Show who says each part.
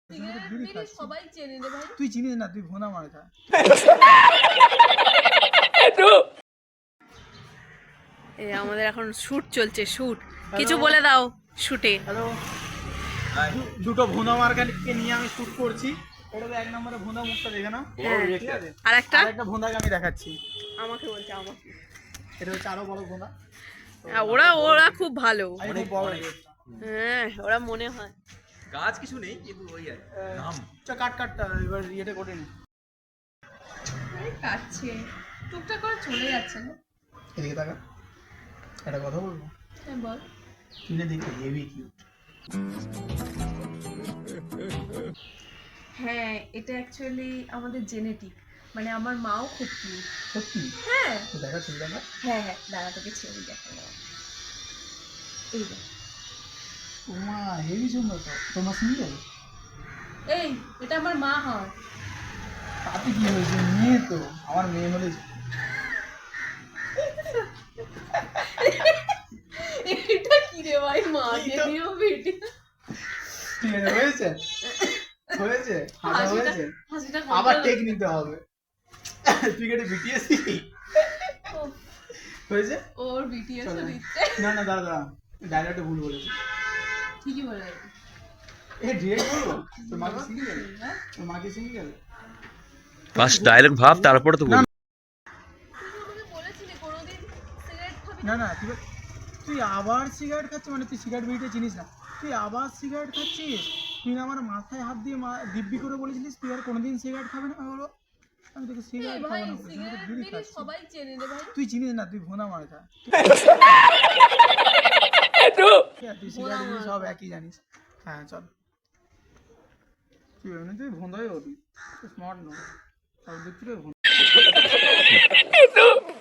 Speaker 1: সবাই চেনে রে ভাই।
Speaker 2: তুই চিনিস না, তুই ভোনা মার খা।
Speaker 1: আমাদের এখন শুট চলছে, শুট। কিছু বলে দাও শুটে।
Speaker 2: হ্যালো, দুটো ভোনা মার্কাকে নিয়ে আমি শুট করছি। এটা তো এক নম্বরে ভোনা মুখটা দেখে না, ঠিক আছে?
Speaker 1: আর একটা
Speaker 2: ভোনাকে আমি দেখাচ্ছি।
Speaker 1: আমাকে বলছে আমাকে।
Speaker 2: এটা হচ্ছে আরো বড় ভোনা।
Speaker 1: ওরা খুব ভালো।
Speaker 2: অনেক বড়।
Speaker 1: হ্যাঁ, ওরা মনে হয়
Speaker 3: গাছ কিছু নেই, কিন্তু ওই আর নাম।
Speaker 2: কাটটা এবার ইয়েটা করে নি।
Speaker 1: কাটছে টুকটাক করে চলে যাচ্ছে না।
Speaker 2: এদিকে তাকা, একটা কথা বলবো।
Speaker 1: হ্যাঁ বল।
Speaker 2: তুই না দেখতে হেভি কিউট।
Speaker 1: হ্যাঁ, এটা অ্যাকচুয়ালি আমাদের জেনেটিক, মানে আমার মাও খুব কিউট।
Speaker 2: সত্যি?
Speaker 1: হ্যাঁ
Speaker 2: তো দেখা, ছবি দেখা।
Speaker 1: হ্যাঁ হ্যাঁ, দাঁড়া তোকে ছবি দেখানো। এই দেখ।
Speaker 2: ওমা হেভি সুন্দর তো। তোমার সিঙ্গেল?
Speaker 1: এই, এটা আমার মা হয়।
Speaker 2: তাতে কি হয়েছে, মেয়ে তো। আমার মেয়ে হলে
Speaker 1: এটা কি রে ভাই, মাকে দিও বেটি।
Speaker 2: ঠিক আছে, হয়েছে হয়েছে, হাসা হয়েছে।
Speaker 1: হাসিটা
Speaker 2: আবার টেক নিতে হবে। তুই কেটে বিটিএস হয়েছে।
Speaker 1: ওর বিটিএস দিচ্ছে।
Speaker 2: না না দাদা, ডায়লগটা ভুল বলেছে।
Speaker 1: ঠিকই বলে।
Speaker 2: এ ডিরেক্ট বলবো, তোর মাকে সিঙ্গেল? তোর মাকে সিঙ্গেল?
Speaker 3: ফার্স্ট ডায়লগ ভাব, তারপরে তো বল।
Speaker 2: না না, তুই আবার সিগারেট খাচ্ছিস, মানে তুই সিগারেট বিড়িটা চিনিস না, তুই আবার সিগারেট খাচ্ছিস। তুই আমার মাথায় হাত দিয়ে দিব্যি করে বলেছিলিস তুই আর কোনোদিন সিগারেট খাবে না। হলো আমি তোকে সিগারেট খাবো না, বিড়ি খাচ্ছি।
Speaker 1: সবাই চেনে রে ভাই।
Speaker 2: তুই চিনিস না, তুই ভোনা মার খা। তুই সিগারেট বিড়ি সব একই জানিস। হ্যাঁ চল, তুই এমনিতেই ভোঁদাই হবি, স্মার্ট নয়, সব দিক থেকে ভোঁদা।